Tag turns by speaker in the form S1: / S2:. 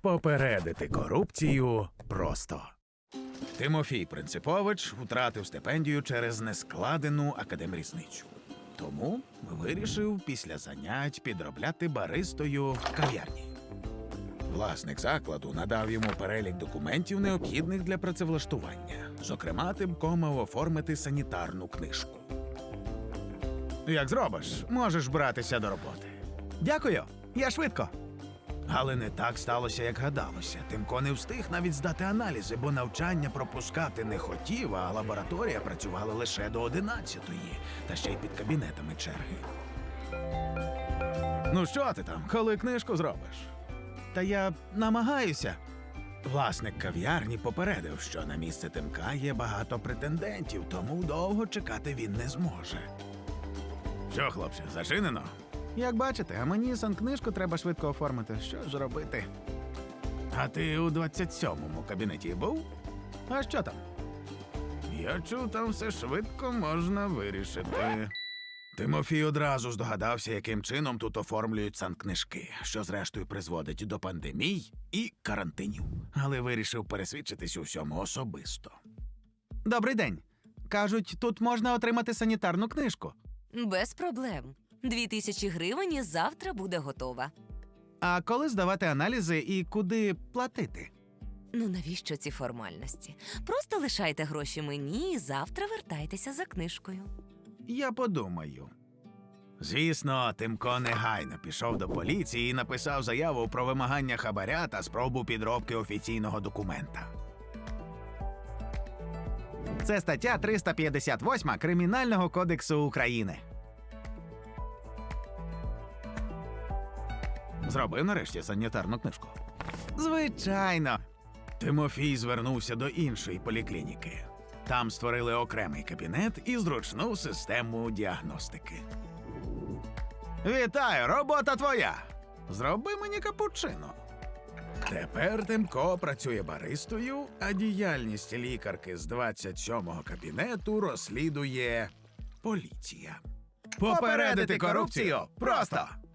S1: Попередити корупцію просто. Тимофій Принципович втратив стипендію через нескладену академрізницю. Тому вирішив після занять підробляти баристою в кав'ярні. Власник закладу надав йому перелік документів, необхідних для працевлаштування. Зокрема, Тимко мав оформити санітарну книжку. Як зробиш, можеш братися до роботи.
S2: Дякую, я швидко.
S1: Але не так сталося, як гадалося. Тимко не встиг навіть здати аналізи, бо навчання пропускати не хотів, а лабораторія працювала лише до 11-ї, та ще й під кабінетами черги. Ну що ти там, коли книжку зробиш?
S2: Та я намагаюся.
S1: Власник кав'ярні попередив, що на місце Тимка є багато претендентів, тому довго чекати він не зможе. Що, хлопче, зачинено?
S2: Як бачите, а мені санкнижку треба швидко оформити. Що ж робити?
S1: А ти у 27-му кабінеті був?
S2: А що там?
S1: Я чув, там все швидко можна вирішити. Тимофій одразу здогадався, яким чином тут оформлюють санкнижки, що зрештою призводить до пандемій і карантинів. Але вирішив пересвідчитись у всьому особисто.
S2: Добрий день. Кажуть, тут можна отримати санітарну книжку.
S3: Без проблем. 2000 гривень і завтра буде готова.
S2: А коли здавати аналізи і куди платити?
S3: Ну навіщо ці формальності? Просто лишайте гроші мені і завтра вертайтеся за книжкою.
S2: Я подумаю.
S1: Звісно, Тимко негайно пішов до поліції і написав заяву про вимагання хабаря та спробу підробки офіційного документа.
S2: Це стаття 358 Кримінального кодексу України.
S1: Зробив нарешті санітарну книжку.
S2: Звичайно.
S1: Тимофій звернувся до іншої поліклініки. Там створили окремий кабінет і зручну систему діагностики.
S2: Вітаю, робота твоя!
S1: Зроби мені капучино. Тепер Тимко працює баристою, а діяльність лікарки з 27-го кабінету розслідує поліція.
S2: Попередити корупцію просто!